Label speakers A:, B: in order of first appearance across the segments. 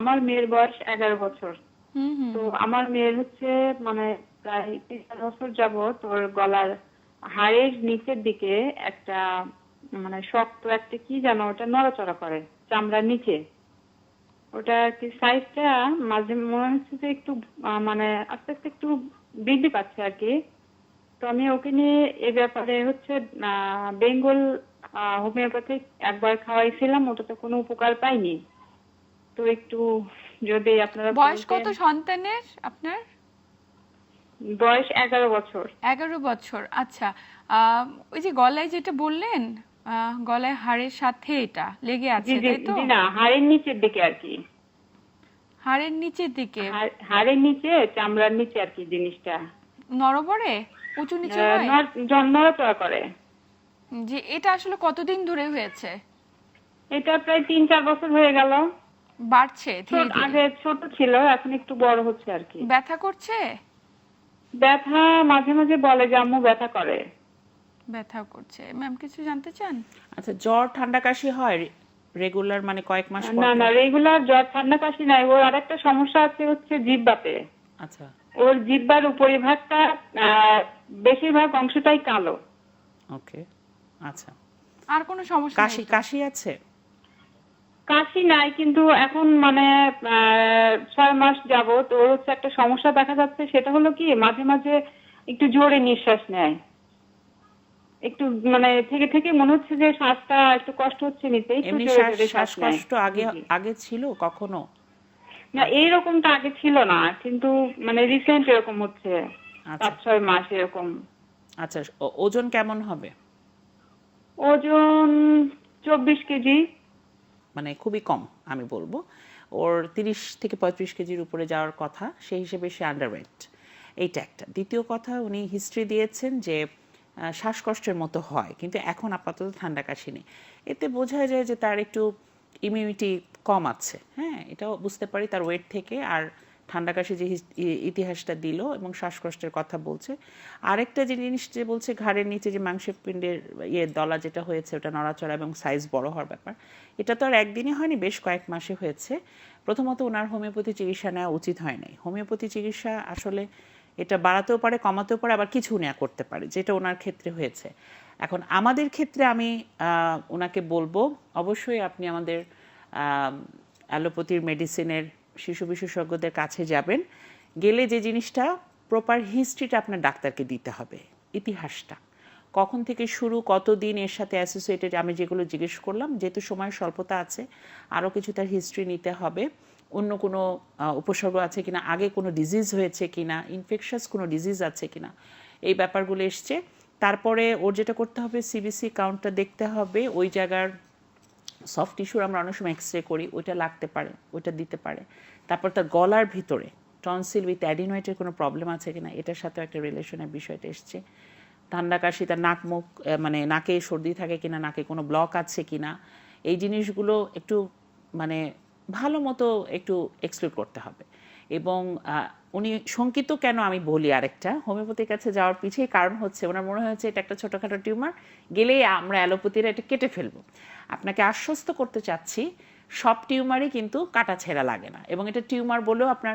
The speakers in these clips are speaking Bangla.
A: আমার মেয়ের বয়স 11 বছর।
B: হুম হুম
A: তো আমার মেয়ের হচ্ছে মানে প্রায় 3-4 বছর যাবত ওর গলার হাড়ের নিচের দিকে একটা মানে শক্ত একটা কি যেন ওটা নড়াচড়া করে চামড়ার নিচে। ওটা আর কি সাইজটা মাঝে মনে হচ্ছে যে একটু মানে আস্তে আস্তে একটু বৃদ্ধি পাচ্ছে আর কি। তো আমি ওকে নিয়ে এ ব্যাপারে হচ্ছে বেঙ্গল হোমিওপ্যাথিক একবার খাওয়াইছিলাম, ওটাতে কোনো উপকার পাইনি। তো একটু যদি আপনারা
B: বয়স
A: বলতেন।
B: কত সন্তানের আপনার?
A: বয়স 11 বছর।
B: 11 বছর, আচ্ছা। ওই যে গলায় যেটা বললেন, গলায় হাড়ের সাথে এটা লেগে
A: জি
B: আছে
A: জি
B: তাই তো?
A: জি, না হাড়ের নিচের দিকে আর কি।
B: হাড়ের নিচের দিকে
A: হাড়ের নিচে চামড়ার নিচে আর কি জিনিসটা
B: নড়বড়ে উঁচু নিচু হয়?
A: নড়াচড়া করে।
B: যে এটা আসলে কতদিন ধরে হয়েছে?
A: এটা প্রায় 3-4 বছর হয়ে গেল।
B: বাড়ছে ধীরে ধীরে?
A: আগে ছোট ছিল, এখন একটু বড় হচ্ছে আর কি।
B: ব্যথা করছে?
A: ব্যথা মাঝে মাঝে বলে যে আম্মু ব্যথা করে।
B: ব্যথা করছে। ম্যাম কিছু জানতে চান?
C: আচ্ছা, জ্বর ঠান্ডা কাশি হয় রেগুলার, মানে কয়েক মাস পর
A: না
C: পর?
A: না, রেগুলার জ্বর ঠান্ডা কাশি নাই, ওর আরেকটা সমস্যা আছে হচ্ছে জিহ্বাতে।
C: আচ্ছা।
A: ওর জিহ্বার উপরিভাগটা বেশিরভাগ অংশটাই কালো।
C: ওকে, আচ্ছা।
B: আর কোনো সমস্যা
C: কাশি
B: নেই তো?
C: কাশি আছে?
A: কাশি নাই, কিন্তু এখন মানে 6 মাস যাবত ওর হচ্ছে একটা সমস্যা দেখা যাচ্ছে, সেটা হলো কি মাঝে মাঝে একটু জোরে নিঃশ্বাস নেয়। একটু মানে থেকে থেকে মনে হচ্ছে যে শ্বাসটা একটু কষ্ট হচ্ছে নিতে, একটু
C: এমনি
A: জোরে জোরে শ্বাস নেয়।
C: শ্বাসকষ্ট আগে
A: জি।
C: আগে ছিল কখনো?
A: না, এইরকমটা আগে ছিল না, কিন্তু মানে রিসেন্ট এরকম হচ্ছে।
C: আচ্ছা
A: 5-6 মাস এরকম।
C: আচ্ছা, ওজন কেমন হবে?
A: ওজন 24 কেজি।
C: মানে খুবই কম আমি বলবো। ওর 30 থেকে 35 কেজির উপরে যাওয়ার কথা, সেই হিসেবে সে আন্ডারওয়েট। এইটা একটা। দ্বিতীয় কথা, উনি হিস্ট্রি দিয়েছেন যে শ্বাসকষ্টের মতো হয়, কিন্তু এখন আপাতত ঠান্ডা কাশি নেই। এতে বোঝা যায় যে তার একটু ইমিউনিটি কম আছে। হ্যাঁ, এটাও বুঝতে পারি তার ওয়েট থেকে। আর ঠান্ডা কাশি যে ইতিহাসটা দিল এবং শ্বাসকষ্টের কথা বলছে। আরেকটা যে জিনিস যে বলছে ঘাড়ের নিচে যে মাংসপিণ্ডের দলা যেটা হয়েছে ওটা নড়াচড়া এবং সাইজ বড় হওয়ার ব্যাপার, এটা তো আর একদিনে হয়নি, বেশ কয়েক মাসে হয়েছে। প্রথমত ওনার হোমিওপ্যাথি চিকিৎসা নেওয়া উচিত হয় নাই। হোমিওপ্যাথি চিকিৎসা আসলে এটা বাড়াতেও পারে, কমাতেও পারে, আবার কিছু নেওয়া করতে পারে, যেটা ওনার ক্ষেত্রে হয়েছে। এখন আমাদের ক্ষেত্রে আমি ওনাকে বলবো অবশ্যই আপনি আমাদের অ্যালোপ্যাথির মেডিসিনের শিশু বিশেষজ্ঞদের কাছে যাবেন। গেলে যে জিনিসটা প্রপার হিস্ট্রিটা আপনার ডাক্তারকে দিতে হবে, ইতিহাসটা কখন থেকে শুরু, কতদিন এর সাথে অ্যাসোসিয়েটেড, আমি যেগুলো জিজ্ঞেস করলাম, যেহেতু সময়ের স্বল্পতা আছে আরও কিছু তার হিস্ট্রি নিতে হবে। অন্য কোনো উপসর্গ আছে কিনা, আগে কোনো ডিজিজ হয়েছে কিনা, ইনফেকশাস কোনো ডিজিজ আছে কিনা, এই ব্যাপারগুলো এসছে। তারপরে ওর যেটা করতে হবে সিবিসি কাউন্টটা দেখতে হবে, ওই জায়গার সফট টিস্যুর আমরা অনেক সময় এক্সরে করি, ওইটা লাগতে পারে, ওইটা দিতে পারে। তারপর তার গলার ভিতরে টনসিল উইথ অ্যাডিনয়েডের কোনো প্রবলেম আছে কিনা, এটার সাথেও একটা রিলেশনের বিষয়টা এসছে। ঠান্ডা কাশি, তার নাক মুখ মানে নাকে সর্দি থাকে কিনা, নাকে কোনো ব্লক আছে কিনা, এই জিনিসগুলো একটু মানে ভালো মতো একটু এক্সপ্লোর করতে হবে। এবং উনি শঙ্কিত কেন আমি বলি, আরেকটা হোমিওপ্যাথির কাছে যাওয়ার পিছিয়ে কারণ হচ্ছে ওনার মনে হয়েছে এটা একটা ছোটোখাটো টিউমার, গেলেই আমরা অ্যালোপ্যাথিরা এটা কেটে ফেলবো। আপনাকে আশ্বস্ত করতে চাচ্ছি সব টিউমারই কিন্তু কাটা ছেঁড়া লাগে না, এবং এটা টিউমার বলেও আপনার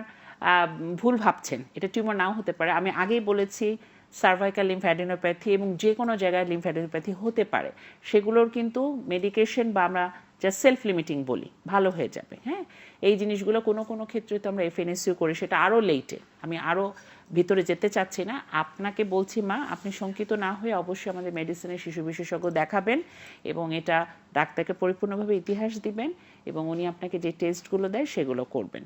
C: ভুল ভাবছেন, এটা টিউমার নাও হতে পারে। আমি আগেই বলেছি সার্ভাইকাল লিম্ফ্যাডিনোপ্যাথি এবং যে কোনো জায়গায় লিম্ফ্যাডিনোপ্যাথি হতে পারে, সেগুলোর কিন্তু মেডিকেশন বা আমরা যা সেলফ লিমিটিং বলি ভালো হয়ে যাবে। হ্যাঁ, এই জিনিসগুলো কোনো কোনো ক্ষেত্রে তো আমরা এফএনএসইউ করি, সেটা আরও লেটে, আমি আরও ভিতরে যেতে চাচ্ছি না। আপনাকে বলছি মা, আপনি শঙ্কিত না হয়ে অবশ্যই আমাদের মেডিসিনের শিশু বিশেষজ্ঞ দেখাবেন এবং এটা ডাক্তারকে পরিপূর্ণভাবে ইতিহাস দিবেন এবং উনি আপনাকে যে টেস্টগুলো দেয় সেগুলো করবেন।